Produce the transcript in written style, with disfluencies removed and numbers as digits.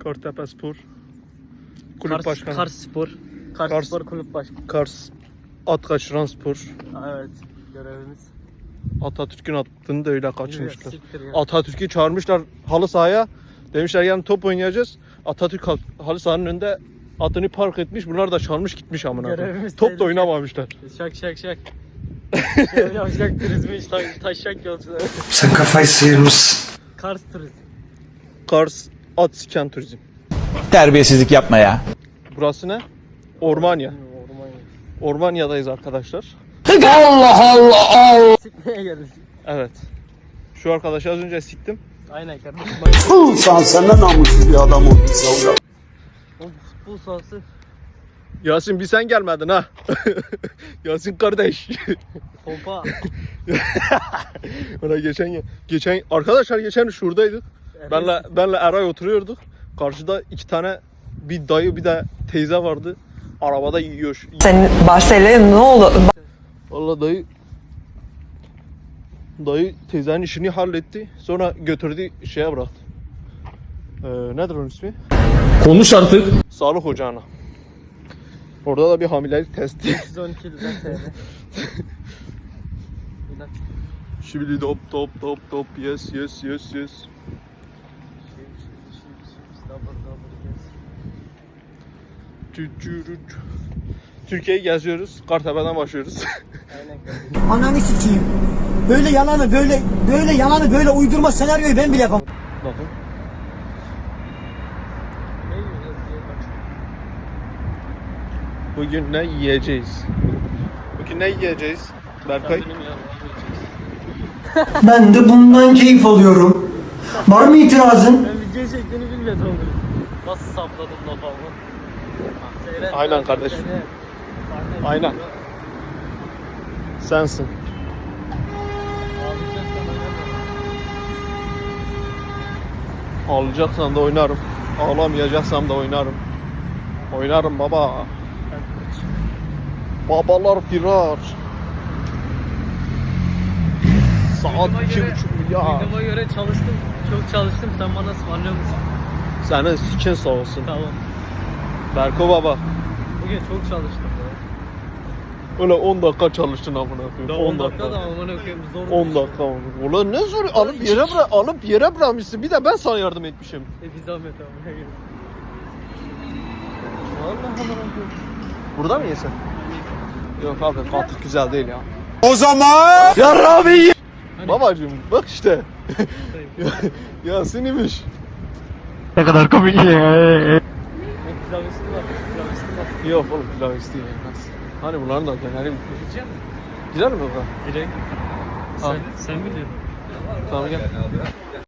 Kartepe Spor. Kulüp Başkanı. Kars Spor. Kars Spor Kulüp Başkanı. Kars At Kaçıran Spor. Evet, görevimiz. Atatürk'ün attığını da öyle kaçırmışlar. Siktir ya. Atatürk'ü çağırmışlar halı sahaya. Demişler yani top oynayacağız. Atatürk halı sahanın önünde atını park etmiş. Bunlar da çalmış gitmiş amına koyayım. Görevimiz Top da tehlikeli. oynamamışlar. Şak. Yavşak turizmi hiç taşak yolcuları. Sen kafayı sıyırmışsın. Kars turizm. Kars At Siken Turizm. Terbiyesizlik yapma ya. Burası ne? Ormanya. Orman. Ormanya'dayız arkadaşlar. Sikmeye geldik. Evet. Şu arkadaşı az önce siktim. Aynen kardeşim. Sen ne namussuz bir adam oldun Savga. O futbol sahası. Yasin bir sen gelmedin ha. Yasin kardeş. Pompa. Ona geçen arkadaşlar geçen şuradaydık. Benle Eray oturuyorduk. Karşıda iki tane bir dayı bir de teyze vardı. Arabada yiyor. Senin Barcelona ne oldu? Vallahi dayı teyzenin işini halletti. Sonra götürdü şeye bıraktı. Nedir onun ismi? Konuş artık. Sağlık ocağına. Orada da bir hamilelik testi. 112 lira TL. İlaç. Şibili top yes. Türkiye'yi geziyoruz. Kartepe'den başlıyoruz. Aynen kardeşim. Ananı sikeyim. Böyle yalanı böyle uydurma senaryoyu ben bile yapamam. Bakın. Ne yiyeceğiz diye bak. Bugün ne yiyeceğiz? Berkay? Kendini mi yiyeceğiz? Ben de bundan keyif alıyorum. Var mı itirazın? Ben video çektiğini bilmiyordum onu. Nasıl sapladım lafı ama. Seyret. Aynen kardeşim. Sahne. Aynen. Sensin. Ağlayacaksan da oynarım. Ağlamayacaksam da oynarım. Oynarım baba. Babalar firar. Saat 2,5 milyar. Videoma göre çalıştım. Çok çalıştım. Sen bana ısmarlıyor musun? Senin sikin sağ olsun. Tamam. Berko baba. Bugün çok çalıştım. Öyle 10 dakika çalıştın amına koyayım. 10 dakika. da amına koyayım zor. 10 dakika. Ulan ne zor alıp yere bırakmışsın. Bir de ben sana yardım etmişim. Bir zahmet amına koyayım. Vallahi amına koyayım. Burada mı yesen? Yok abi katık güzel değil ya. O zaman Yarrabi. Babacığım bak işte. Yasin'miş. Ne kadar komik ya. Pilav üstü var. Pilav üstü var. Yok oğlum pilav isteyen yenmez. Hani bunların da döneri bitmiş. Yiyecek misin? Gider mi baba? Direkt. Al. Sen biliyorsun. Tamam gel.